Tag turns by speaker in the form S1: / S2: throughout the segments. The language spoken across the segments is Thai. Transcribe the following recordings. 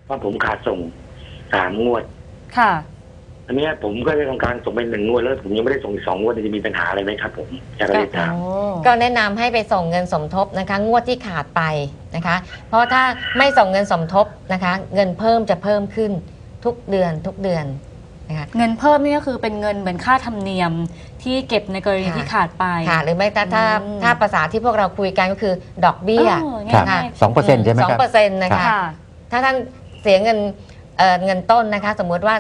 S1: ว่าผมขาดส่ง3 งวด
S2: ค่ะ
S1: อันนี้ผมก็ได้ทำการส่งไป1 งวดแล้วผมยังไม่ได้ส่งอีก2 งวดจะมีปัญหาอะไรไหมครับผมอยากเรียนถาม
S3: ก็แนะนำให้ไปส่งเงินสมทบนะคะงวดที่ขาดไปนะคะเพราะถ้าไม่ส่งเงินสมทบนะคะเงินเพิ่มจะเพิ่มขึ้นทุกเดือนนะคะ
S2: เงินเพิ่มนี่ก็คือเป็นเงินเหมือนค่าธรรมเนียมที่เก็บในกรณีที่ขาดไป
S3: ค่ะหรือไม่ถ้าภาษาที่พวกเราคุยกันก็คือดอกเบี้ย
S4: ค่ะ2%ใช่ไหมครับ
S3: 2%นะคะถ้าท่านเสียเงินต้นนะคะสมมุติว่า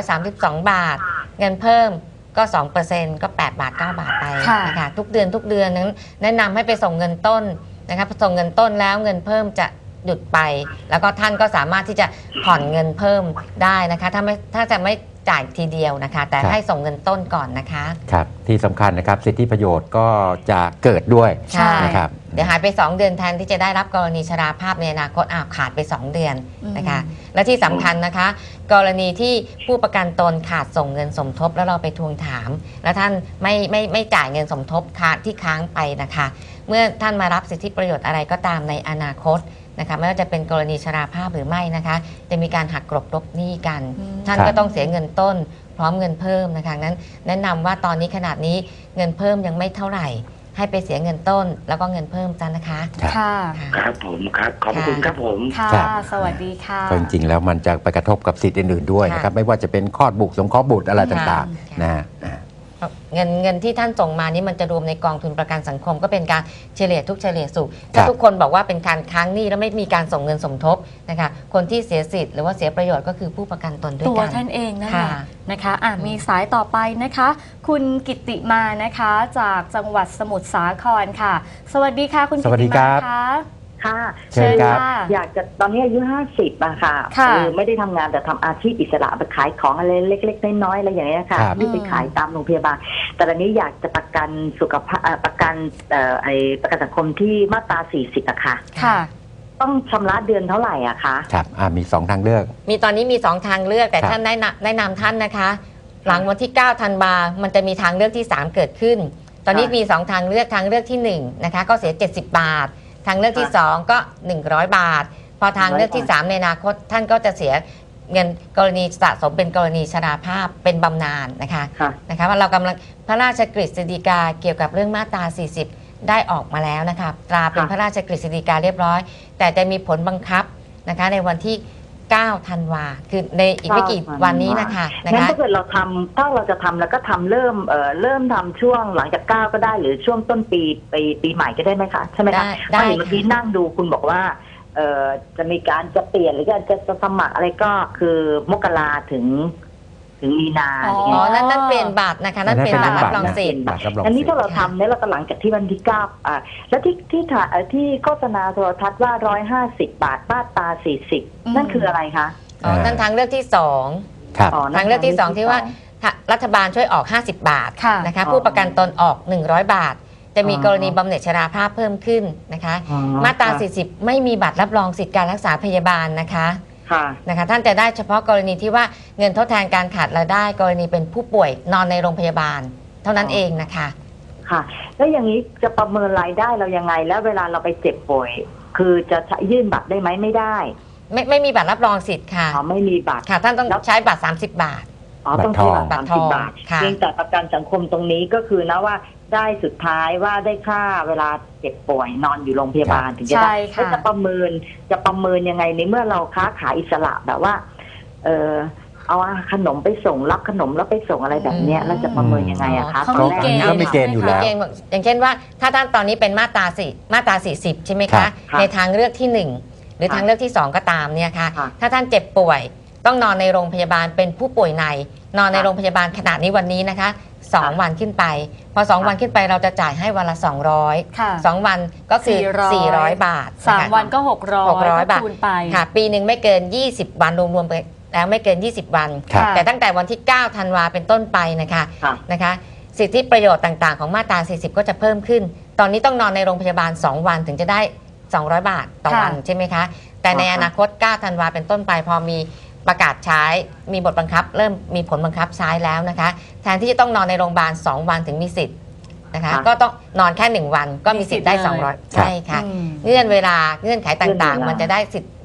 S3: 432 บาทเงินเพิ่มก็ 2% ก็8 บาท 9 บาทไปนะคะทุกเดือนนั้นแนะนำให้ไปส่งเงินต้นนะคะส่งเงินต้นแล้วเงินเพิ่มจะหยุดไปแล้วก็ท่านก็สามารถที่จะผ่อนเงินเพิ่มได้นะคะถ้าจะไม่จ่ายทีเดียวนะคะแต่ให้ส่งเงินต้นก่อนนะคะ
S4: ครับที่สำคัญนะครับสิทธิประโยชน์ก็จะเกิดด้วย
S3: นะครับเดี๋ยวหายไป2 เดือนแทนที่จะได้รับกรณีชราภาพในอนาคตขาดไป2 เดือนนะคะและที่สำคัญนะคะกรณีที่ผู้ประกันตนขาดส่งเงินสมทบแล้วเราไปทวงถามแล้วท่านไม่จ่ายเงินสมทบที่ค้างไปนะคะเมื่อท่านมารับสิทธิประโยชน์อะไรก็ตามในอนาคตนะคะไม่ว่าจะเป็นกรณีชราภาพหรือไม่นะคะจะมีการหักกลบลบหนี้กันท่านก็ต้องเสียเงินต้นพร้อมเงินเพิ่มนะคะนั้นแนะนำว่าตอนนี้ขนาดนี้เงินเพิ่มยังไม่เท่าไหร่ให้ไปเสียเงินต้นแล้วก็เงินเพิ่มจ้ะนะคะ
S2: ค่ะ
S1: ครับผมครับขอบคุณครับผม
S2: ค่ะสวัสดีค่ะ
S4: จริงๆแล้วมันจะไปกระทบกับสิทธิ์อื่นๆด้วยนะครับไม่ว่าจะเป็นคลอดบุตรสงเคราะห์บุตรอะไรต่างๆนะฮะ
S3: เงินที่ท่านส่งมานี้มันจะรวมในกองทุนประกันสังคมก็เป็นการเฉลี่ยทุกเฉลี่ยสุขถ้าทุกคนบอกว่าเป็นการค้างหนี้แล้วไม่มีการส่งเงินสมทบนะคะคนที่เสียสิทธิ์หรือว่าเสียประโยชน์ก็คือผู้ประกันตนด้วยกัน
S2: ตัวท่านเองนั่นแหละนะคะมีสายต่อไปนะคะคุณกิตติมานะคะจากจังหวัดสมุทรสาครค่ะสวัสดีค่ะคุณกิตติมาค่ะ
S5: ค่ะ
S4: เชิญครับ
S5: อยากจะตอนนี้อายุ50อะค่ะไม่ได้ทำงานแต่ทำอาชีพอิสระไปขายของอะไรเล็กๆน้อยๆอะไรอย่างเงี้ยค่ะที่ไปขายตามโรงพยาบาลแต่ตอนนี้อยากจะประกันสุขภาพประกันประกันสังคมที่มาตรา40อะค่ะต้องชำระเดือนเท่าไหร่อะคะ
S4: ครับมี2ทางเลือก
S3: ตอนนี้มี2ทางเลือกแต่ท่านแนะนำท่านนะคะหลังวันที่9 ธันวามันจะมีทางเลือกที่3เกิดขึ้นตอนนี้มี2ทางเลือกที่1นะคะก็เสีย70 บาททางเลือกที่2ก็100 บาทพอทางเลือกที่3ในอนาคตท่านก็จะเสียเงินกรณีสะสมเป็นกรณีชราภาพเป็นบำนาญนะคะว่าเรากำลังพระราชกฤษฎีกาเกี่ยวกับเรื่องมาตรา40ได้ออกมาแล้วนะคะตราเป็นพระราชกฤษฎีกาเรียบร้อยแต่จะมีผลบังคับนะคะในวันที่9 ธันวาคือในอีกไม่กี่วันนี้นะคะ
S5: งั้นถ้าเกิดเราจะทำแล้วก็ทำเริ่มทำช่วงหลังจาก9ก็ได้หรือช่วงต้นปีใหม่ก็ได้ไหมคะใช่ไหมคะได้เมื่อกี้นั่งดูคุณบอกว่าจะมีการจะเปลี่ยนหรือจะสมัครอะไรก็คือมกราถึงมีนา
S3: นั่นเปลี่ยนบัตรนะคะนั่นเปลี่ยนบัตรรับรองสิทธิ์
S5: อันนี้ถ้าเราทำเนี่ยเราหลังจากที่วันที่9แล้วที่โฆษณาโทรทัศน์ว่า150 บาทมาตรา40นั่นคืออะไรคะ
S3: นั่นทางเลือกที่2ทางเลือกที่2ที่ว่ารัฐบาลช่วยออก50 บาทนะคะผู้ประกันตนออก100 บาทจะมีกรณีบำเหน็จชราภาพเพิ่มขึ้นนะคะมาตรา40ไม่มีบัตรรับรองสิทธิการรักษาพยาบาลนะคะท่านจะได้เฉพาะกรณีที่ว่าเงินทดแทนการขาดรายได้กรณีเป็นผู้ป่วยนอนในโรงพยาบาลเท่านั้นเองนะคะ
S5: ค่ะแล้วอย่างนี้จะประเมินรายได้เรายังไงแล้วเวลาเราไปเจ็บป่วยคือจะยื่นบัตรได้ไหมไม่ได้
S3: ไม่มีบัตรรับรองสิทธิ์ค่ะ
S5: ไม่มีบัตร
S3: ค่ะท่านต้องใช้บัตร30 บาท
S5: ต้องใช้บัตร30 บาทเพียงแต่ประกันสังคมตรงนี้ก็คือนะว่าได้สุดท้ายว่าได้ค่าเวลาเจ็บป่วยนอนอยู่โรงพยาบาลถึงจะได้จะประเมินยังไงในเมื่อเราค้าขายอิสระแบบว่าเอาขนมไปส่งรับขนมแล้วไปส่งอะไรแบบนี้แล้วจะประเมินยังไงอะคะ
S4: เขามีเกณฑ์อยู่แล้ว
S3: อย่างเช่นว่าถ้าท่านตอนนี้เป็นมาตรา40ใช่ไหมคะในทางเลือกที่1หรือทางเลือกที่2ก็ตามเนี่ยค่ะถ้าท่านเจ็บป่วยต้องนอนในโรงพยาบาลเป็นผู้ป่วยในนอนในโรงพยาบาลขณะนี้วันนี้นะคะ2 วันขึ้นไปพอ2 วันขึ้นไปเราจะจ่ายให้วันละ200 2 วันก็คือ400 บาท
S2: 3 วันก็600 บาท
S3: ค่ะปีหนึ่งไม่เกิน20 วันรวมๆไปแล้วไม่เกิน20 วันแต่ตั้งแต่วันที่9 ธันวาเป็นต้นไปนะคะสิทธิประโยชน์ต่างๆของมาตรา40ก็จะเพิ่มขึ้นตอนนี้ต้องนอนในโรงพยาบาล2 วันถึงจะได้200 บาทต่อวันใช่ไหมคะแต่ในอนาคต9 ธันวาเป็นต้นไปพอมีประกาศใช้มีบทบังคับเริ่มมีผลบังคับใช้แล้วนะคะแทนที่จะต้องนอนในโรงพยาบาล2 วันถึงมีสิทธิ์นะคะก็ต้องนอนแค่1 วันก็มีสิทธิ์ได้200ใช่ค่ะเงื่อนไขต่างๆมันจะได้สิทธิ์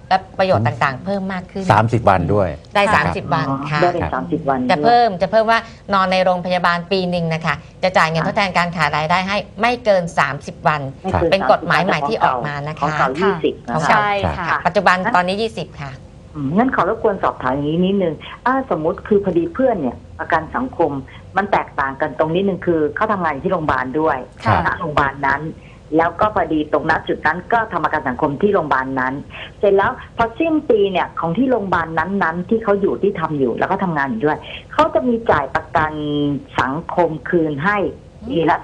S3: และประโยชน์ต่างๆ เพิ่มมากขึ้น
S4: 30 วันด้วย
S3: ได้
S2: ค่ะ
S3: 30 วันค่ะ
S5: ได้เป็น30 วัน
S3: จะเพิ่มว่านอนในโรงพยาบาลปีหนึ่งนะคะจะจ่ายเงินทดแทนการขาดรายได้ให้ไม่เกิน 30 วัน
S5: ไม่กิ
S3: เป็นกฎหมายใหม่ที่ออกมานะคะ
S5: ของเก่า20
S3: ของ
S5: นะ
S3: เก่า
S2: ใช่ค่ะ
S3: ปัจจุบันตอนนี้ 20 ค่ะ
S5: งั้นขอรบกวนสอบถามอย่างนี้นิดนึงสมมติคือพอดีเพื่อนเนี่ยประกันสังคมมันแตกต่างกันตรงนิดนึงคือเขาทำงานอยู่ที่โรงพยาบาลด้วย
S2: ค่ะ
S5: ณโรงพยาบาลนั้น แล้วก็พอดีตรงนั้นจุดนั้นก็ทำประกันสังคมที่โรงพยาบาลนั้น เสร็จแล้วพอสิ้นปีเนี่ยของที่โรงพยาบาลนั้นๆที่เขาอยู่ที่ทำอยู่แล้วก็ทำงานอยู่ด้วยเขาจะมีจ่ายประกันสังคมคืนให้ปีละ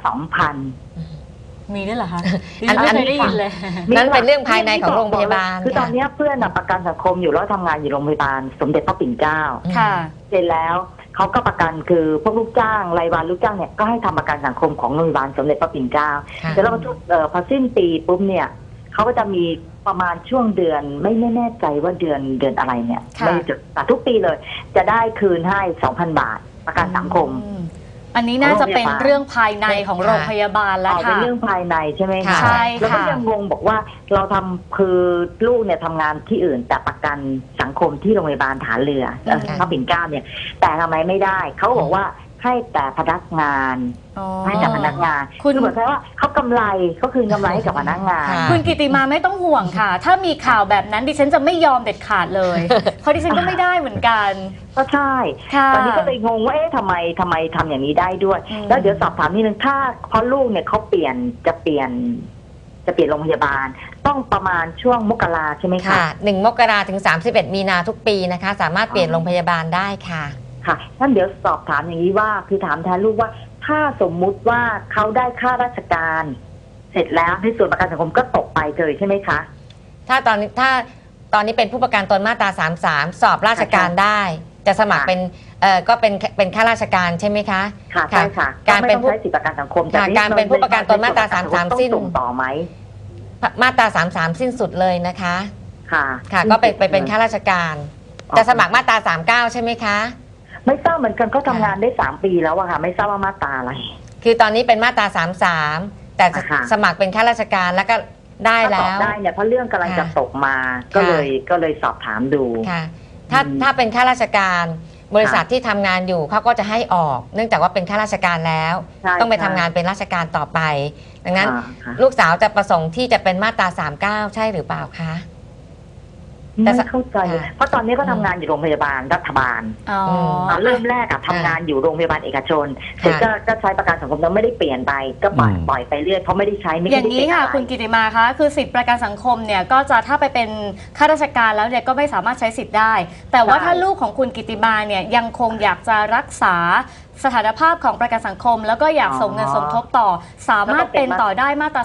S5: 2,000
S2: มีด้วยเหรอคะ
S3: อัน
S2: ไม่เคยได้ยินเลย
S3: นั่นเป็นเรื่องภายในของโรงพยาบาล
S5: คือตอนเนี้ยเพื่อนน่ะประกันสังคมอยู่แล้วทำงานอยู่โรงพยาบาลสมเด็จพระปิ่นเกล้า
S2: ค่ะ
S5: เสร็จแล้วเขาก็ประกันคือพวกลูกจ้างรายวันลูกจ้างเนี่ยก็ให้ทำประกันสังคมของโรงพยาบาลสมเด็จพระปิ่นเกล้า
S3: ค่ะ
S5: เสร็จแล้วพอสิ้นปีปุ๊บเนี่ยเขาก็จะมีประมาณช่วงเดือนไม่แน่ใจว่าเดือนอะไรเนี่ย
S2: ค่ะ
S5: ไม่จุดแต่ทุกปีเลย จะได้คืนให้ 2,000 บาทประกันสังคม
S2: อันนี้น่าจะเป็นเรื่องภายในของโรงพยาบาลแล้ว
S5: เป็น
S2: ค่ะ
S5: เรื่องภายในใช่ไหมคะ
S2: ใช่
S5: แล้วก็
S2: ค่ะ
S5: ยังงงบอกว่าเราทำคือลูกเนี่ยทำงานที่อื่นแต่ประกันสังคมที่โรงพยาบาลฐานเรือพระปิ่นเกล้าเนี่ยแต่ทำไมไม่ได้เขาบอกว่าให้แต่พนักงาน
S2: อ๋อ
S5: ให้แต่พนักงาน
S2: คุณ
S5: คือเหมือนกับว่าเขากำไรเขาคืนกำไรให้กับพนักงาน
S3: ค่ะ
S2: คุณกิติมาไม่ต้องห่วงค่ะ ถ้ามีข่าวแบบนั้นดิฉันจะไม่ยอมเด็ดขาดเลย เพราะดิฉันก็ไม่ได้เหมือนกัน
S5: ก็ใช่
S2: ค่ะ
S5: ตอนนี้ก็เลยงงว่าเอ๊ะทำไมทำอย่างนี้ได้ด้วย
S2: อืม
S5: แล้วเดี๋ยวสอบถามนิดนึงถ้าเพราะลูกเนี่ยเขาจะเปลี่ยนโรงพยาบาล ต้องประมาณช่วงมกราใช่ไหมคะ
S3: ค่ะ 1 มกราถึง 31 มีนาทุกปีนะคะ สามารถเปลี่ยนโรงพยาบาลได้ค่ะ
S5: ค่ะท่านเดี๋ยวสอบถามอย่างนี้ว่าคือถามแทนลูกว่าถ้าสมมุติว่าเขาได้ค่าราชการ เสร็จแล้วในส่วนประกันสังคมก็ตกไปเลยใช่ไหมคะ
S3: ถ้าตอนนี้เป็นผู้ประกันตนมาตรา 33 สอบราชการได้ จะสมัครเป็นก็เป็นข้าราชการใช่ไหมคะ
S5: ค่ะใช่ค่ะ
S3: การเป็น
S5: ไม่ต้องใช้สิทธิประกันสังคมแต่
S3: ค่ะการเป็นผู้ประกันตนมาตรา33สิ้น
S5: ต้องส่งต่อไหม
S3: มาตรา 33 สิ้นสุดเลยนะคะ
S5: ค่ะ
S3: ค่ะ ก็ไปเป็นข้าราชการ จะสมัครมาตรา 39 ใช่ไหมคะ
S5: ไม่ทราบเหมือนกันก็ทำงานได้3 ปีแล้วอะค่ะ ไม่ทราบว่ามาตราอะไร
S3: คือตอนนี้เป็นมาตรา 33 แต่
S5: ค่ะ
S3: สมัครเป็นข้าราชการแล้วก็ได้
S5: ถ้าต
S3: แล้
S5: อบ
S3: ว
S5: ได้เนี่ยเพราะเรื่องกำลังจะตกมา
S3: ค่ะ
S5: ก็เลยสอบถามดู
S3: ค่ะถ้าเป็นข้าราชการบริษัทที่ทำงานอยู่เขาก็จะให้ออก เนื่องจากว่าเป็นข้าราชการแล้ว
S5: ใช่
S3: ต้องไป
S5: ใช่
S3: ทำงานเป็นราชการต่อไป ดังนั้น
S5: ค่ะ
S3: ลูกสาวจะประสงค์ที่จะเป็นมาตรา 39 ใช่หรือเปล่าคะ แต่
S5: ไม่เข้าใจเลย
S3: ค่ะ
S5: เพราะตอนนี้ก็ทำงานอยู่โรงพยาบาลรัฐบาล
S2: อ๋อ
S5: ตอนเริ่มแรกอะทำงานอยู่โรงพยาบาลเอกชนเสร็จก็ใช้ประกันสังคมแล้วไม่ได้เปลี่ยนไปก็ปล่อยไปเรื่อยเพราะไม่ได้ใช้ไม่
S2: อ
S5: ได้
S2: ย่างนี้
S5: เป็น
S2: ค่ะ
S5: อะไร
S2: คุณกิติมาคะคือสิทธิประกันสังคมเนี่ยก็จะถ้าไปเป็นข้าราชการแล้วเนี่ยก็ไม่สามารถใช้สิทธิ์ได้ แต่ว่าถ้าลูกของคุณกิติมาเนี่ยยังคงอยากจะรักษาสถานภาพของประกันสังคม แล้วก็อยากส่งเงินสมทบต่อ สามารถเป็นต่อได้มาตรา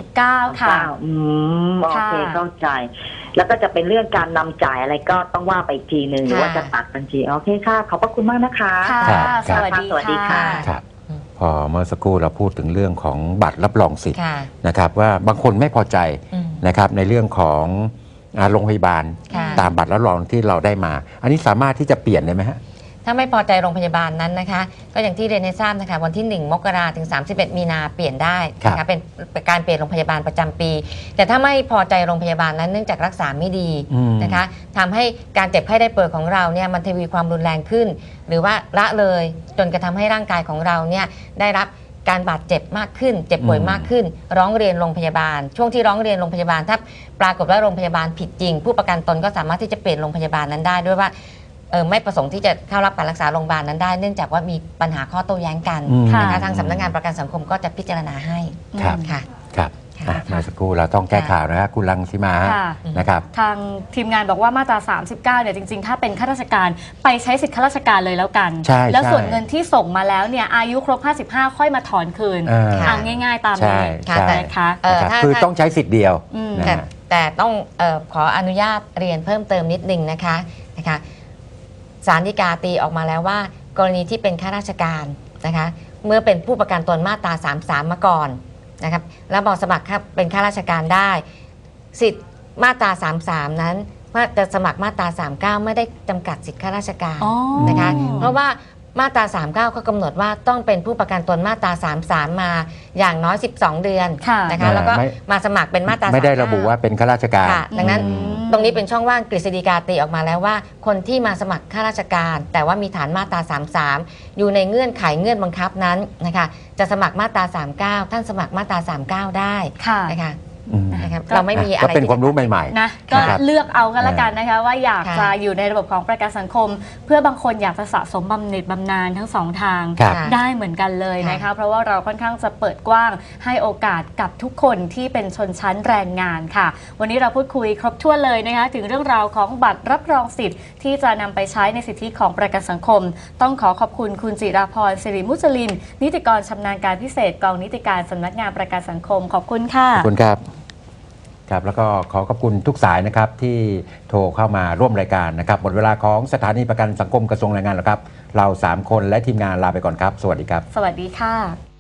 S2: 39 ค่ะ
S5: โอเค
S2: ค่ะ
S5: เข้าใจ แล้วก็จะเป็นเรื่องการนำจ่ายอะไรก็ต้องว่าไปอีกทีหนึ่งหรือว่าจะตัดบัญชีโอเคค่ะขอบพระคุณมากนะคะ
S2: ค่ะ
S4: ครับ
S2: สวัสดี
S5: สวัสดีค่ะ
S2: ค่ะ
S4: ครับพอเมื่อสักครู่เราพูดถึงเรื่องของบัตรรับรองสิทธิ์
S3: ค่ะ
S4: นะครับว่าบางคนไม่พอใจ
S3: อืม
S4: นะครับในเรื่องของโรงพยาบาล
S3: ค่ะ
S4: ตามบัตรรับรองที่เราได้มา อันนี้สามารถที่จะเปลี่ยนได้ไหมฮะ
S3: ถ้าไม่พอใจโรงพยาบาลนั้นนะคะ ก็อย่างที่เรียนให้ทราบนะคะวันที่ 1 มกราถึง 31 มีนาเปลี่ยนได้นะคะเป็นการเปลี่ยนโรงพยาบาลประจำปี แต่ถ้าไม่พอใจโรงพยาบาลนั้นเนื่องจากรักษาไม่ดี
S4: อืม
S3: นะคะทำให้การเจ็บไข้ได้ป่วยของเราเนี่ยมันทวีความรุนแรงขึ้น หรือว่าละเลยจนกระทำให้ร่างกายของเราเนี่ยได้รับการบาดเจ็บมากขึ้น เจ็บป่วยมากขึ้น ร้องเรียนโรงพยาบาล ช่วงที่ร้องเรียนโรงพยาบาลถ้าปรากฏว่าโรงพยาบาลผิดจริง ผู้ประกันตนก็สามารถที่จะเปลี่ยนโรงพยาบาลนั้นได้ด้วยว่าไม่ประสงค์ที่จะเข้ารับการรักษาโรงพยาบาลนั้นได้ เนื่องจากว่ามีปัญหาข้อโต้แย้งกัน
S4: อืม
S2: ค่ะ
S3: นะคะทางสำนักงานประกันสังคมก็จะพิจารณาให้
S4: ครับ
S3: ค่ะ
S4: ครับ
S3: ค่ะ
S4: เมื่อสักครู่เราต้องแก้ข่าวนะครับคุณรังสีมา
S2: ค่ะ
S4: นะครับ
S2: ทางทีมงานบอกว่ามาตรา 39 เนี่ยจริงๆ ถ้าเป็นข้าราชการไปใช้สิทธิข้าราชการเลยแล้วกัน
S4: ใช่
S2: แล้ว
S4: ใช่
S2: ส่วนเงินที่ส่งมาแล้วเนี่ยอายุครบ 55 ค่อยมาถอนคืน
S3: ค่ะ
S2: ง่ายๆ ตาม
S4: ใช่
S2: นี้
S4: ใช่
S2: นะคะ
S4: นะครับ
S3: ถ้า
S4: คือต้องใช้สิทธิ์เดียว
S2: อืม
S4: นะ
S3: แต่
S4: ฮะ
S3: แต่ต้องขออนุญาตเรียนเพิ่มเติมนิดนึงนะคะศาลฎีกาตีออกมาแล้วว่ากรณีที่เป็นข้าราชการนะคะเมื่อเป็นผู้ประกันตนมาตรา 33 มาก่อนนะครับแล้วบอกสมัครเป็นข้าราชการได้ สิทธิ์มาตรา 33 นั้นว่าจะสมัครมาตรา 39 ไม่ได้จำกัดสิทธิข้าราชการ
S2: อ๋อ
S3: นะคะเพราะว่ามาตรา 39เขากำหนดว่าต้องเป็นผู้ประกันตนมาตรา 33 มาอย่างน้อย 12 เดือน
S2: ค่ะ
S3: นะคะแล้วก็
S4: ไม่
S3: มาสมัครเป็นมาตรา
S4: ไม่ได้
S3: 39
S4: ระบุว่าเป็นข้าราชการ
S3: ค่ะดังนั้น
S2: อืม
S3: ตรงนี้เป็นช่องว่างกฤษฎีกาตีออกมาแล้วว่าคนที่มาสมัครข้าราชการ แต่ว่ามีฐานมาตรา 33 อยู่ในเงื่อนไขเงื่อนบังคับนั้นนะคะจะสมัครมาตรา 39 ท่านสมัครมาตรา 39 ได้
S2: ค่ะ
S3: นะคะ
S4: อืม
S3: นะครับเราไม่มีอะไร
S4: ก็เป็นความรู้ใหม่
S2: นะก็
S4: ครับ
S2: เลือกเอากันละกันนะคะว่าอยาก
S3: ค่ะ
S2: จะอยู่ในระบบของประกันสังคม เพื่อบางคนอยากจะสะสมบำเหน็จบำนาญทั้งสองทาง
S4: ครับ
S2: ได้เหมือนกันเลยนะคะ
S3: ค่ะ
S2: เพราะว่าเราค่อนข้างจะเปิดกว้างให้โอกาสกับทุกคนที่เป็นชนชั้นแรงงานค่ะ วันนี้เราพูดคุยครบถ้วนเลยนะคะถึงเรื่องราวของบัตรรับรองสิทธิ์ที่จะนำไปใช้ในสิทธิของประกันสังคม ต้องขอบคุณคุณจิราพรสิริมุจลินนิติกรชำนาญการพิเศษกองนิติการสำนักงานประกันสังคมขอบคุณค่ะ
S4: ขอบคุณครับครับแล้วก็ขอขอบคุณทุกสายนะครับที่โทรเข้ามาร่วมรายการนะครับหมดเวลาของสถานีประกันสังคมกระทรวงแรงงานแล้วครับเรา3คนและทีมงานลาไปก่อนครับสวัสดีครับ
S2: สวัสดีค่ะ